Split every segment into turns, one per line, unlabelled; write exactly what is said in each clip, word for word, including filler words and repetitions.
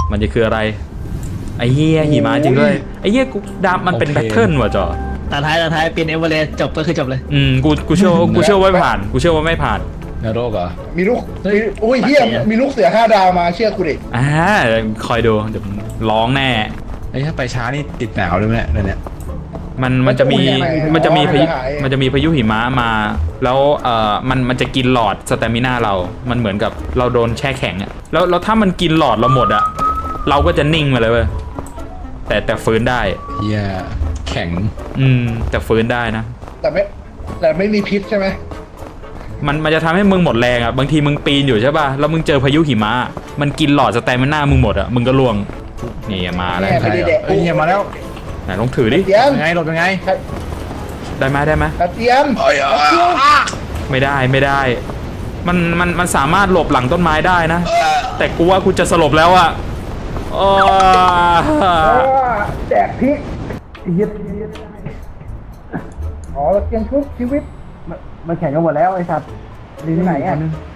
มันจะคืออะไรไอ้เหี้ยหิมะจริงด้วยไอ้เหี้ยกูดามันเป็นแพทเทิร์นว่ะจอ
ตาท้ายตาท้ายเป็นเอเวอเรสต์จบก็คือจบเลย
อืมกูกูเชื่อกูเชื่อว่าไม่ผ่านกูเชื่อว่าไม่ผ่าน
นรกเหรอ
มีลูกมีอุ้ยเฮียมีลูกเสือห้าดาวมาเชื่อกูดิ
อ่าคอยดูเดี๋ยวร้องแน่
ไอ้ถ้าไปช้านี่ติดหนาวด้วยไหมเนี่ย
มันมันจะมีมันจะมีพายุมันจะมีพายุหิมะมาแล้วเอ่อมันมันจะกินหลอดสเตมิน่าเรามันเหมือนกับเราโดนแช่แข็งอะแล้วแล้วถ้ามันกินหลอดเราหมดอะเราก็จะนิ่งมาเลยเว้ยแต่แต่ฟื้นได้
เฮียแข็ง
อืมแต่ฟื้นได้นะ
แต่ไม่แต่ไม่มีพิษใช่ไหม
มันมันจะทำให้มึงหมดแรงอะบางทีมึงปีนอยู่ใช่ป่ะแล้วมึงเจอพายุหิมะมันกินหลอดสเตมิน่ามึงหมดอะมึงก็ล่วงนี่มาแล้ว
ใช่
เฮียมาแล้ว
ไหนลองถือดิ
ยังไงหลบยังไง
ได้ไหมได้ไหม
กระเทียม
ไม่ได้ไม่ได้มันมันมันสามารถหลบหลังต้นไม้ได้นะแต่กูว่ากูจะสลบแล้วอะ
แจกพริกยึดอ๋อเกียงชุบชีวิตมันแข่งกันหมดแล้วไอ้สัตว์ดีที่ไหนอ่ะ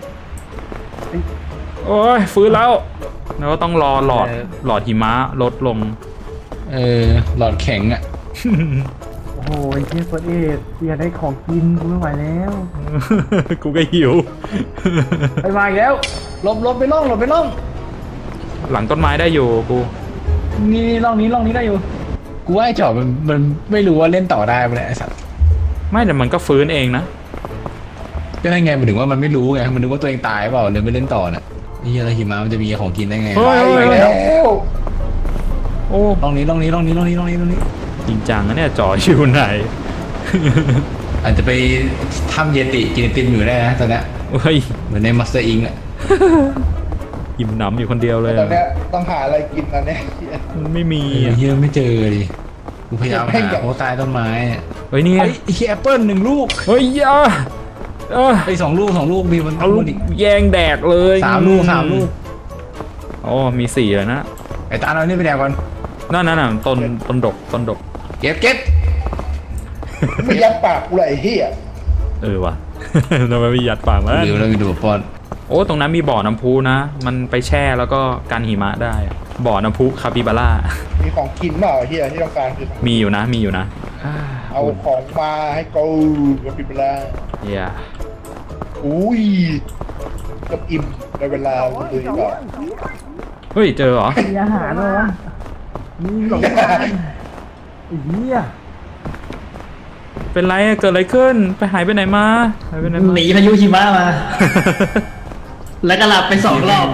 โอ้ยฟื้นแล้วแล้วก็ต้องรอหลอดหลอดหิมะลดลง
เออหลอดแข็งอ่ะ
โอ้โหไอ้เชี่ยคนเอสอยากได้ของกินกูไม่ไหวแล้ว
กูก็หิว
ไปมาอีกแล้วหลบหลบไปล่องหลบไปล่อง
หลังต้นไม้ได้อยู่กู
นี่ล่องนี้ล่องนี้ได้อยู่
กูว่าไอ้จอบมันมันไม่รู้ว่าเล่นต่อได้ไหมไอ้สัตว์
ไม่แต่มันก็ฟื้นเองนะ
ก็ได้ไงมันถึงว่ามันไม่รู้ไงมันนึกว่าตัวเองตายเปล่าเลยไม่เล่นต่อน่ะนี่อะไรหิมะมันจะมีของกินได้ไง
ไปแล้ว
โอ้
ล่องนี้ล่องนี้ล่องนี้ล่องนี้ล่องนี้ล่องนี้
จริงจังนะเนี่ยจ่อชิวไหน
อาจจะไปทำเยติกินติมอยู่ได้นะตอนนี้
เฮ้ย
เหมือนในมัสเตอร์อิงอ่ะ
อิ่มหนำอยู่คนเดียวเลย
ตอนนี้ต้องหาอะไรกินตอนนี้
มันไม่มี
เยอะไม่เจอดิกูพยายามหาโอ้ใต้ต้นไม้
เฮ้ยนี่ไอ้
แอปเปิ้ลหนึ่งลูก
เฮ้ยอ่ะ
เออไอ้สองลูกสองลูกมีมัน
เอาลูกแยงแดกเลย
สามลูกสามลูก
โอ้มีสี่เลยนะ
ไอ้ตาเรานี่ไปแดกก่อน
นั่นนั่นน่ะต้นต้นดกต้นดก
เก็บเก็บ
ไม่ยัดปากกูเลยไอ้เหี้ย
เออวะทำไมไม่ยัดปากมั้
งหรือเรามีดูปอน
โอ้ตรงนั้นมีบ่อน้ำพุนะมันไปแช่แล้วก็กันหิมะได้บ่อน้ำพุคาปิบาร่า
มีของกินเปล่าเหี้ยที่ต้องการคือ
มีอยู่นะมีอยู่นะ
เอาของมาให้กูคาปิบาร่า
เฮีย
อุ้ยกับอิ่มในเวลาดูดีกว่า
เฮ้ยเจอเหรอ
มีอาหารเหรอมีหลงทางเฮีย
เป็นไรเกิดอะไรขึ้นไปหายไปไหนมาหายไปไหน
หนีพายุหิมะมาแล้วก็หลับไปสองรอบ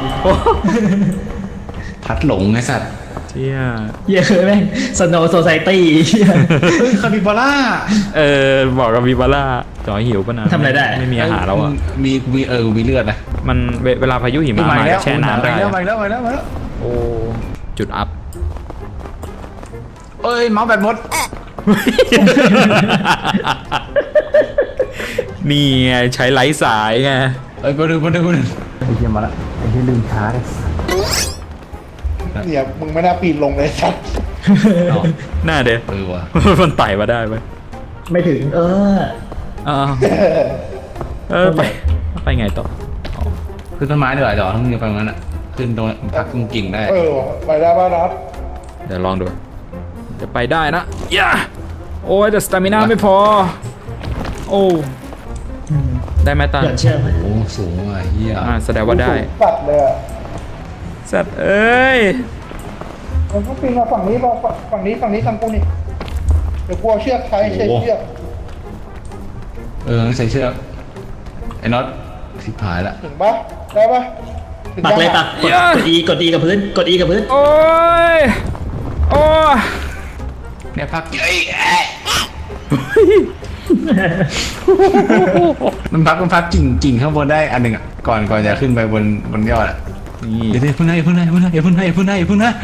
พัดหลงไอ้สัตว์
เชี่ย
เยอะไหมสโนว์โซไซตี้
คาปิบาร่า
เออบอกกับคาปิบาร่าจ่อหิวป่ะนะ
ทำอะไรได้
ไม่มีอาหารแล้วอ่ะ
มีมีเออมีเลือดนะ
มันเวลาพายุหิมะมาแช่น้ำได้
ไปแล้วไปแล้วไปแล้วไปแล้ว
โอ้จุดอัพ
เอ้ยเมาส์แบตหมด
นี่ไงใช้ไร้สายไง
เอ้ยมาดูมาดูมาดู
ไอ้เหี้ยมาละไอ้เหี้ยลืมช้าเลยเนี่ยมึงไม่น่าปีนลงเลยสัตว์
หน้าเด้อ
เออวะ
มันไต่มาได้ไหม
ไม่ถึงเออ
เออเออไปไปไงต่อ
ขึ้นต้นไม้ดีกว่าจอทั้งนี้ไปงั้นอ่ะขึ้นตรงพักตรงกิ่งได้
เออไปได้ป่ะนับ
เดี๋ยวลองดูจะไปได้นะย่าโอ้ยแต่สตามิน่าไม่พอโอ้ได้ไหมตา
เชื่อไหม
โอ้สูงอ่ะเฮีย
อ่าแสดงว่าได้
สัตว์เลย
สัตว์เอ้ย
มันต้องปีนมาฝั่งนี้มาฝั่งนี้ฝั่งนี้ทางกูนี่เดี๋ยวกลัวเชือกใช้ใช้เชือก
เออใส่เชือกไอ้น็อตสิบหายละ
ถึงปะได้ปะ
ปักเลยปักกดอีกดอีกับพื้นกดอีกับพื้น
โอ้ยโอ้
เนี่ยพักเอ้ยมันพักมันพักกิ่งกิ่งข้างบนได้อันหนึ่งอ่ะก่อนก่อนจะขึ้นไปบนบนยอดอ่ะเดี๋ยวพึ่งนะพึ่งนะพึ่งนะพึ่งนะพึ่งนะพึ่งนะ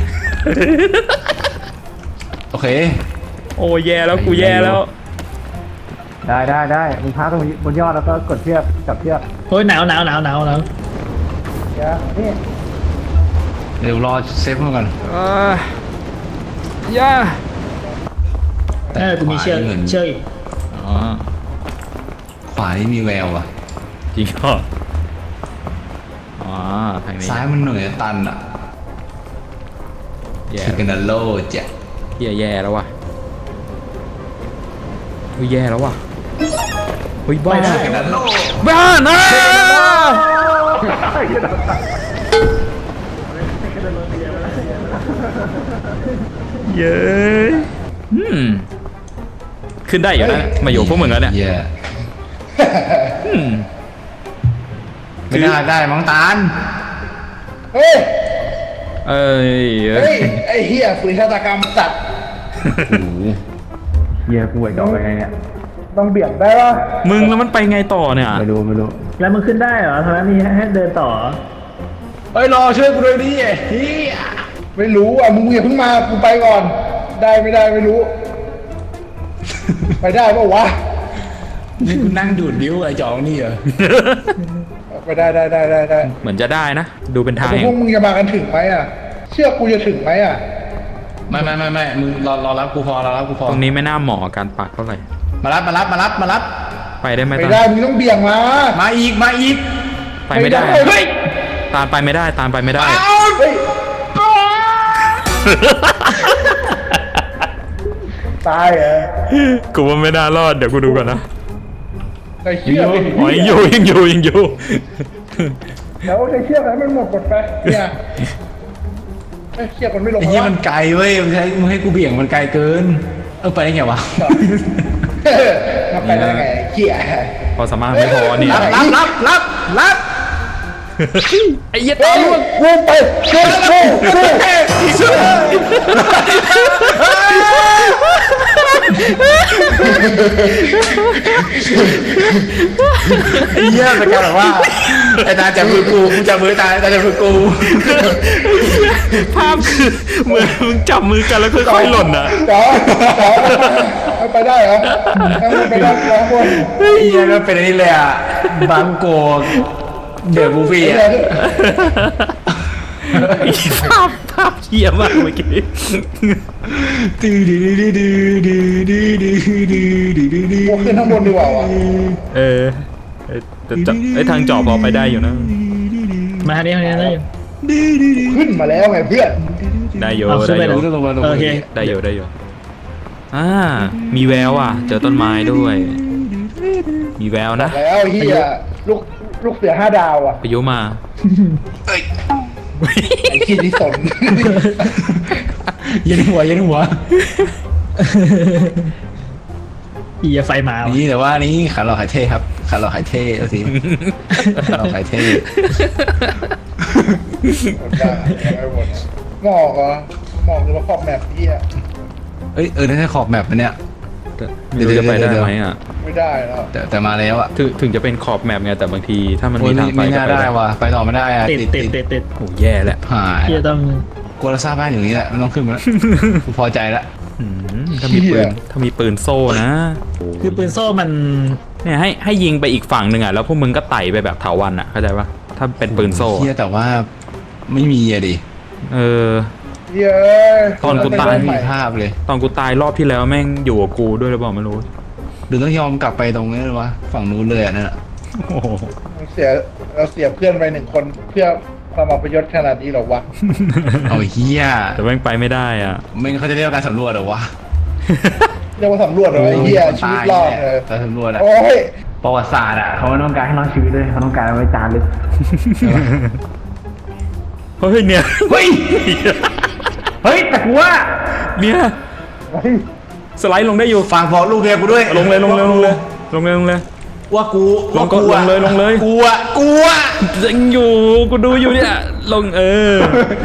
โอเค
โอ้แย่แล้วกูแย่แล้ว
ได้ได้ได้มึงพักตรงบนยอดแล้วก็กดเชือกจับเชือก
โอ้ยหนาวหนาวหนาวหนาวหนาว
นี่
เดี๋ยวรอเซฟมันก่อน
อ่าย่า
เออกูมีเชือกเชือกอีก
อ๋อ
ขวานี่มีแววอ่ะ
จริงก็อ๋อทางนี้
ซ้ายมันเหนื่อยตันอ่ะ
แย่
คือกันโลจ้ะ
เฮียแย่แล้วว่ะเฮ้ยแย่แล้วว่ะเฮ้ยบ้า
กันโล
บ้านะเย้อืมขึ้นได้อยู่นะมาอยู่พวกมึงแล้วเนี่ย
เย้
อืม
ไม่น่าได้มั้งตาล
เฮ้ย
เอ้ยเอ้
เฮ้
ย
ยไอ้เหี้ยฝืนชะตากรรมสัตว์
โอ้โหเฮียกูไอ้ดอกไปไงเนี่ย
ต้องเบี่ยงได้ปะ
มึงแล้วมันไปไงต่อเนี่ย
ไม่รู้ไม่รู้
แล้วมึงขึ้นได้เหรอทางนั้นมีให้เดินต่อ
เฮ้ยรอช่วยกูด้วยดิเฮีย
ไม่รู้อ่ะมึงอย่าเพิ่งมากูไปก่อน ได้ไม่ได้ไม่รู้ ไปได้ปะวะ
นี่กูนั่งดูดดิ้วไอ้จองนี่เหรอ
ไปได้ได้ได้ได้ได้
เหมือนจะได้นะ ดูเป็นทาง
แต่
แห่
พว
ง
กมึงจะมากันถึงไหมอ่ะ เชื่อกูจะถึงไหมอ่ะ
ไม่ไม่ไม่ไม่มึงรอรอรับกูพอรอรับกูพอ
ตรงนี้ไม่น่าเหมาะกับการปักเท่าไหร่
มารับมารับมารับมารับ
ไปได้ไหม
ไม่
ตา
ได้
ล
มึงต้องเบี่ยงมา
มาอีกมาอีก
ไปไม่ได้
เฮ้ย
ตาลไปไม่ได้ตาลไปไม่ได้
เฮ้ยตายเหรอ
กูว่าไม่น่ารอดเดี๋ยวกูดูก่อนนะ
ใส่เชือกดิ
อ๋อยังอยู่ยังอยู่ยังอยู่
แล้วใส่เชือกให้มันหมดกดไปเนี่ยเอ้ยเชือกมันไม่ลง
ไอ้เหี้ยมันไกลเว้ยมึงให้มึงให้กูเบี่ยงมันไกลเกิน เออไปได้ไงวะ
เออมาไปได้ไงเหี้ย
พอสามารถไม่พอเนี่ย
รับรับรับรับรับ
ไอ้เหี้ย
เฮ้
ตาย
ยกูไปกูกูกู
ไอ้เหี้ยเป็นการแบบว่าไอ้ตาจับมือกูกูจับมือตาตาจับมือกู
ภาพคือเหมือนมึงจับมือกันแล้วค่อยๆหล่นอ่ะ
จ๋อจ๋อไปได้เหรอไปได้สองคน
ไอ้เหี้ยก็เป็นอันนี้เลยอ่ะบังโกเดือดกูฟี่
ไอ้
อ่ะ
เนี่ย
ภาพภาพเหี้ยมากเมื่อกี้
ดื้อดื้อดื้อดื้อดื้อดื้อดื้อดื้อดื้อดื้อดื้อ
กูขึ้นข้างบนดีกว่าวะ
เออเอ้ยแต่จะไอ้ยทางจอบพอไปได้อยู่นะ
มาทางนี้ทางนี้ได้อยู่
ขึ้นมาแล้วไงเพื่อน
ได้อยู่
เอาขึ้น
ได้
ไป
อยู่
นะ
ลงมาลง
โอ
มา
เค
ได้อยู่ได้อยู่อ่ามีแววอ่ะ เจอต้นไม้ด้วย มีแววนะ
แล้วเฮียลูกลูกเสือห้าดาวอ่ะ
พายุมา
เอ้ย
ไอ้ขี้ที่สน
เย็นหัวเย็นหัว
อีไฟมาว่ะ
นี่แต่ว่านี่ขาหลอกขายเท่ครับขาหลอกขายเท่เอาสิขาหลอกขายเท่
หมดได้ไม่หมดหมอกเหรอหมอกหรือว่าขอบแมปเฮีย
เอ้ยเออได้ขอบแมปมันเนี่ย
ไม่รู้จะไปได้ไหมอ่ะ
ไม่ได้แล้ว
แต่แต่มาแล้วอ่ะ
ถึงถึงจะเป็นขอบแมปไงแต่บางทีถ้ามัน
โอ้
มี
ย
ทางไป
ไม่
ก็
น่า
ไป
ได้
ได้
ว่ะไปต่อไม่ได้อ่ะ
ติดติดติดติด
โอ้แย่แหละ
หาย
ที่จะต้อง
กูเราทราบบ้านอย่างนี้แหละไม่ต้องขึ้นมาแล้วกูพอใจละ
อืมถ้ามีปืนถ้ามีปืนโซ่นะ
คือปืนโซ่มัน
เนี่ยให้ให้ยิงไปอีกฝั่งหนึ่งอ่ะแล้วพวกมึงก็ไต่ไปแบบเถาวัลย์อ่ะเข้าใจปะถ้าเป็นปืนโซ่
เฮียแต่ว่าไม่มีอะดิ
เออ
เฮีย
ตอนกูตาย
ไม่มีภาพเลย
ตอนกูตายรอบที่แล้วแม่งอยู่กับกูด้วยหรือเปล่าไม่รู้
หรือต้องยอมกลับไปตรงนี้เลยวะฝั่งนู้นเลยอ่ะนั่นแหละ
โอ้โห
เสียเราเสียเพื่อนไปหนึ่งคนเพื่อความอัปยศขนาดนี้เหรอวะ
เอาเฮีย
แต่แม่งไปไม่ได้อ่ะ
ไม่งั้นเขาจะเรียกว่าการสำรวจเหรอวะ
เรียกว่าสำรวจเหรอไอ้เฮียชีวิตรอดเลย
การสำรวจอะ
โอ้ย
ประวัติศาสตร์อ่ะเขาไม่ต้องการให้รอดชีวิตเลยเขาต้องการเอาไว้จารึก
เฮ้ยเนี่ย
เฮ้ยเฮ้ยแต่กูว่า
เนี่ย
เฮ้ย
สไลด์ลงได้อยู่
ฝากบอกลูกเมียกูด้วย
ลงเลยลงเลยลงเลยลงเลยลงเลย
ว่ากู
ลงก็
ว่า
ลงเลยลงเลย
กูอะกูอะ
ยังอยู่กูดูอยู่เนี่ยลงเออ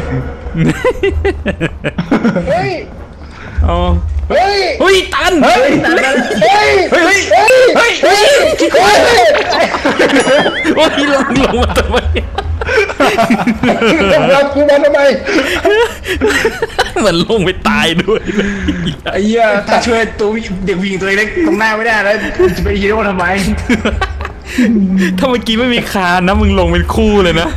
เฮ้ย
อ๋อ
เฮ้ย
เฮ้ยตัน
เฮ้ย
เฮ้ย
เฮ้ยเฮ้ย
เฮ้ย
เฮ้ย
เฮ้ยเฮ้ย
โอ้ยลงลงมาทำไม
เรากูมาทำไม
เหมือนลงไปตายด้วย
ไอ้เหี้ยถ้าช่วยตัวเด็กผู้หญิงตัวเล็กตรงหน้าไม่ได้แล้วจะไปฮีโร่ทำไม
ถ้าเมื่อกี้ไม่มีคานนะมึงลงเป็นคู่เลยนะ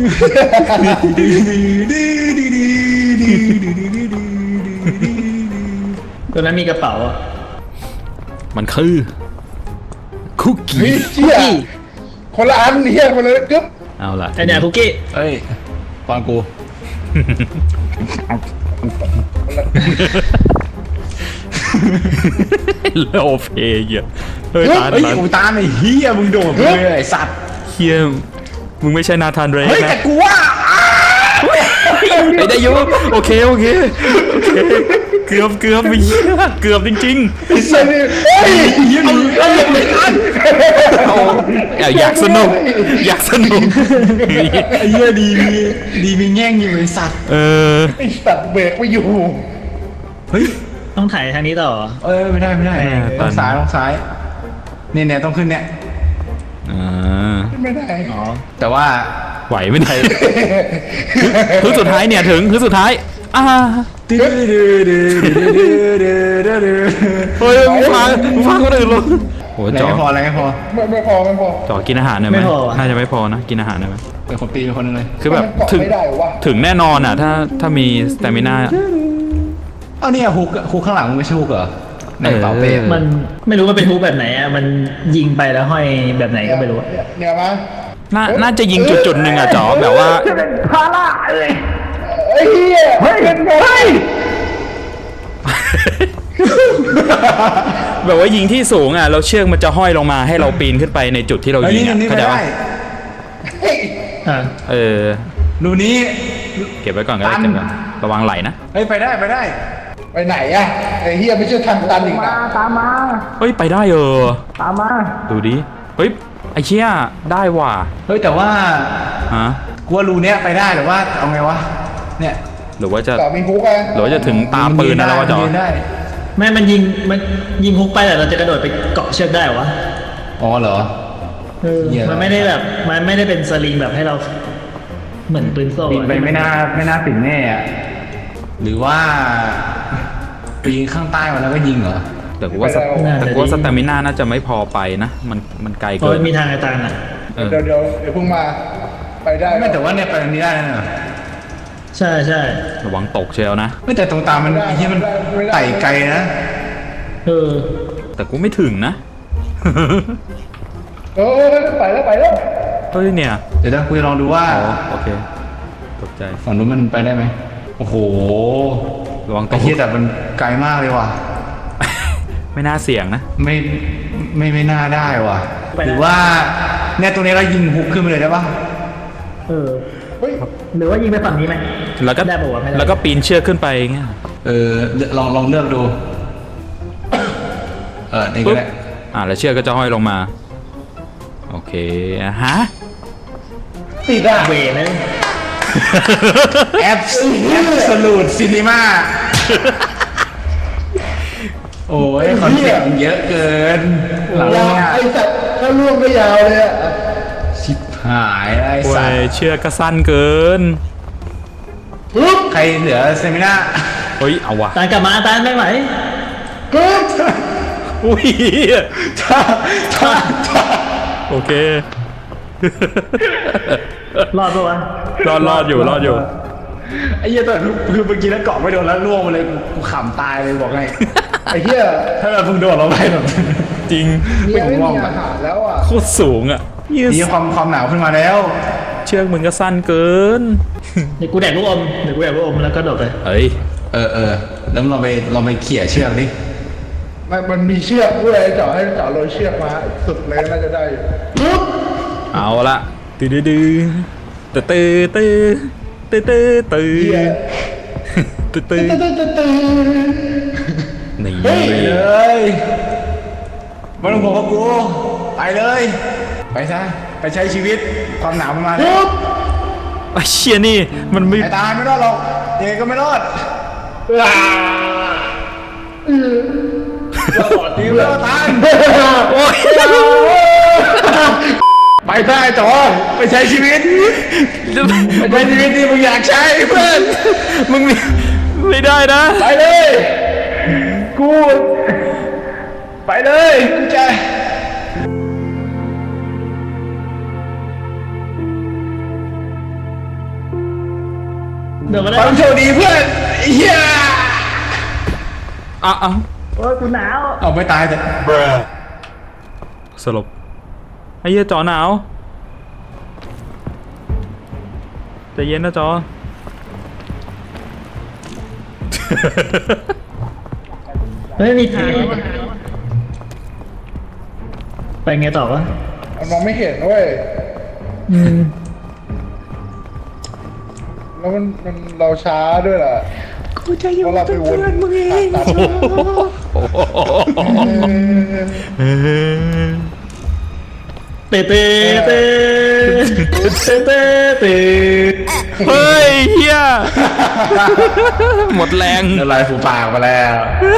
ตัวนั้นมีกระเป๋าอ่ะ
มันคือคุกกี้
เฮ้ยเชี่ยคนละอันเฮียคนละกึ๊บ
เอาล่ะ
ไอเนี่ยคุกกี้
เฮ้ยฟังกู
เ
แล้วโอเพเหี้ยเฮ้ยตา
เฮ้ย
ตา
อูตามไอ้เฮียมึงโดดไปเลยไอ้สัตว์
เฮียมึงไม่ใช่นาธานเรย์
เฮ้ย
นะ
แต่กูว่า
ไอ้ได้อยูโอเคโอเคโอเคเกือบเกือบมีเกือบจริง
ไอ้เหี้ยนี่เฮ้ย
ยืนเอาเอาลงไปทัน
ๆเอาเอาอยากสนุกอยากสนุก
ไอ้เหี้ยดีมีดีมีแง่งอยู่ไอ้สัตว์
เออ
ไอ้สัตว์เบรกไม่อยู่
เฮ้ย
ต้องถ่ายทางนี้ต่อ
เออไม่ได้ไม่ได้ต้องซ้ายต้องซ้ายเนี่ยเนี่ยต้องขึ้นเนี่ย
อ่า
ไม่ได้
อ๋อ
แต่ว่า
ไหวไม่ได้คือสุดท้ายเนี่ยถึงคือสุดท้ายอ่า
ดื้อดื้อดื้อดื้อดื้อดื้อดื้อดื้อ
เฮ้ยมึงฟังมึงฟังคนอื่นลงโห
อะไร
จอ
ไม่พออะไรไม่พอ
ไม่ไม่พอไม่พอ
จอกินอาหารหน่อยไหมน่าจะไม่พอนะกินอาหารหน่อยไหม
เป็นคนตีเป็นคนหนึงเลย
คือแบบ
มันเกาะ
ถึง
ไม่ได้วะ
ถึงแน่นอนอ่ะถ้าถ้ามีสเตมิน่า
เอาเนี่ยฮุกฮุกข้างหลังมึงไม่ใช่ฮุกเหรอในกระเป๋าเป้
เออ
มันไม่รู้ว่าเป็นฮูปแบบไหนอ่ะมันยิงไปแล้วห้อยแบบไหนก็ไม่รู้อะ
เนี่ยเนี่ยมา
น่าน่าจะยิงจุดจุดๆหนึ่งอ่ะจอแบบว่า
ไอ้เหี้ยเฮ้ยเป็นไง
แบบว่ายิงที่สูงอ่ะเราเชือกมันจะห้อยลงมาให้เราปีนขึ้นไปในจุดที่เรา
เฮ้ย
ยิง
นี่
อ่ะ
นี่
เข้า
ไม่
ใจ
ได้
ปะ
อ่ะ
เออ
ดูนี้
เก็บไว้ก่อนก็ได้
ตัน
เก็บไว้ระวังไหลนะ
เฮ้ยไปได้ไปได้
ไปไหนอะไอ้เหี้ยไม่ใช่ทางตันอีกนะ
เฮ้ยไปได้เออ
ตามมา
ดูดิเฮ้ยไอเชี่ยได้ว่ะ
เฮ้ยแต่ว่า
ฮะ
กูว่ารูเนี้ยไปได้หรือว่าเอาไงวะเนี่ย
หรือว่าจะ
ต่อมีฮุกอะ
หรือว่าจะถึงตาปืนนะแล้วว่าจอ
ยืนได้
ไม่มันยิงมันยิงฮุกไปแต่เราจะกระโดดไปเกาะเชือกได้เหรอวะ
อ๋อเหรอ
เออ
เหี้ย
มันไม่ได้แบบมันไม่ได้เป็นสลิงแบบให้เรา เหมือนปืนโซ่
ปีน
อะ
ไปไม่น่าไม่น่าปิดแน่อะหรือว่าปีนข้างใต้มาแล้วก็ยิงเหรอ
แต่กูว่าสแต่กูว่าสเตมิน่าน่าจะไม่พอไปนะ มันมันไกล
เพราะ
เกิน
มันมีทางไอ้ตาลอ่ะ
เออ
เดี๋ยวเดี๋ยวเดี๋ยวเพิ่งมาไปได้
ไม่แต่ว่าเนี่ยไปตรงนี้ได้นะเนี่ย
ใช่ใช่
ระวังตกเชียวนะ
ไม่แต่ตรงตามมันไอ้ที่มันไต่ไกลนะ
เออ
แต่กูไม่ถึงนะ
เออไปแล้วไปแล้ว
เฮ้ยเนี่ย
เดี๋ยวนะกูจะลองดูว่า
อ๋อโอเคตกใจ
ฝั่งนู้นมันไปได้ไหมโอ้โห
ระวังต
ไอ้
ก
เหี้ยแต่มันไกลมากเลยว่ะ
ไม่น่าเสี่ยงนะ
ไม่ไม่ไม่น่าได้ว่ะ
ไปได้
หรือว่าเนี่ยตรงนี้เรายิงฮุกขึ้นไปเลยได้ปะ
เออ
เฮ้ย
หรือว่ายิงไปฝั่งนี้ไหม
แล้วก็
ได้ปะวะไม่ได้
แล้วก็ปีนเชือกขึ้นไปอย่างเงี้ย
เออลองลองเลือกดู เออนี่ก็
ปุ๊บ
ได้
อ่าแล้วเชือกก็จะห้อยลงมา โอเคอ่ะฮะ
ติดอะ
เวเลย
แอปแอปสลูดซินิมาโอ้ยคอนเซ็ปต์มันเยอะเกินหลัง
ยาว
เนี่ย
ไอ้สัตว์ถ้าล่วงก็ยาวเลยอะ
ชิบหายไอ้
โอ้
สัต
ย
ว์
เชือกก็สั้นเกิน
ปึ๊บ
ใครเหลือเซมินา
เฮ้ยเอาว่ะ
ตาลกลับมาตาลไม่ไหว
กึ๊บ
อุ้ย
ถ้าถ้าถ้า
โอเค
รอดปะวะ
รอดรอดอยู่รอดอยู่
ไอ้เหี้ยแต่คือเมื่อกี้แล้วเกาะไม่โดนแล้วล่วงมาเลยกูกูขำตายเลยบอกไง
ไอ้เหี้ย
ถ้าเราเพิ่งโดนเราไปแบบ
จริง
เมียไม่มีอาหารแล้วอะ
โคตรสูงอ่ะยืด
มีความความหนาวขึ้นมาแล้ว
เชือกมึงก็สั้นเกิน
เดี๋ยวกูแดกลูกอมเดี๋ยวกูแดกลูกอมแล้วก็โดดไป
เฮ้ย
เออเออแล้วเราไปเราไปเขี่ยเชือกดิ
มันมันมีเชือกด้วยเจาะให้เจาะโรยเชือกมาสุดเลยน่าจะได้อยู่ปึ๊บ
เอาละตื้อดื้อดื้อตื้อตื้อตื้อตื้อตื้อ
เหี้ย
ตื้อตื้อ
ตึ๊ดตึ๊ดตึ๊ดตึ๊ด
นี่
ไปเลยไม่ต้องบอกว่ากูไปเลย ไปซะไปใช้ชีวิตความหนาวมันมาแล้ว
ปึ๊บ
ไอ้เชี่ยนี่มันไม่
ไอ้ตายไม่รอดหรอกยังไงก็ไม่รอด
อ่า
ดีเพื่อนตาย
โอ้ย
ไปได้จอไปใช้ชีวิตไปใช้ชีวิตที่มึงอยากใช้เพื่อน
มึงมีไม่ได้นะ
ไปเลยกูไปเลยกูจะ
เดี๋ยวมา
ไป
ได้
โชคดีเพื่อนเฮีย
อ่ะเอา
โอ้ยกูหนาว
เอาไม่ตายแต่
สลบไอ้เหี้ยจอหนาวใจเย็นนะจอ
ไม่มีทางแล้วอะไปไงต่อวะ
มันมองไม่เห็นเว้ย
อืม
แล้วมันมันเราช้าด้วยล่ะกูจะอยู่เราไปวนมึงเอง
เตะเตะเตะเตะเตะเตะ
เฮ้ยเฮียหมดแรง
ละลายฟูปากมาแล้ว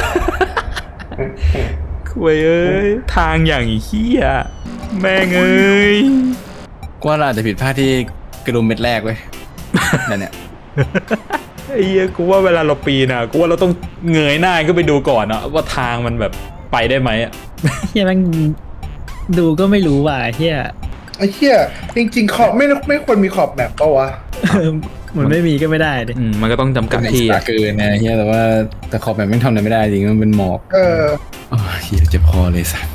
คุยเอ้ยทางอย่างเฮียแม่งเอ้ย
กูว่าเราอาจจะผิดพลาดที่กระดุมเม็ดแรกเว้ยนั่นเนี่ย
ไอ้เหี้ยกูว่าเวลาเราปีนอ่ะกูว่าเราต้องเงยหน้าก็ไปดูก่อนอะว่าทางมันแบบไปได้ไหมอะ
เฮียแมันดูก็ไม่รู้ว่ะเฮีย
ไอ้เหี้ยจริงๆขอบไม่ไม่ควรมีขอบแมปปะวะ
เหมือนไม่มีก็ไม่ได้ดิ
อืมมันก็ต้องจำกัด
ที่
ที่
อะ
อะ
เกินนะเฮียแต่ว่าแต่ขอบแบบไม่ทำอะไรไม่ได้จริงมันเป็นหมอก
เออ
โอ้ยเฮียเจ็บคอเลยสัส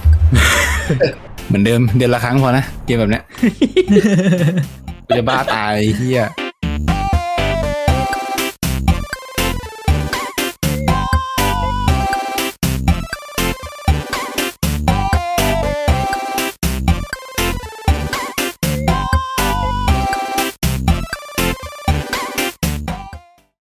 เหมือนเดิมเดือนละครั้งพอนะเกมแบบเนี้ย กูจะบ้าตายเฮีย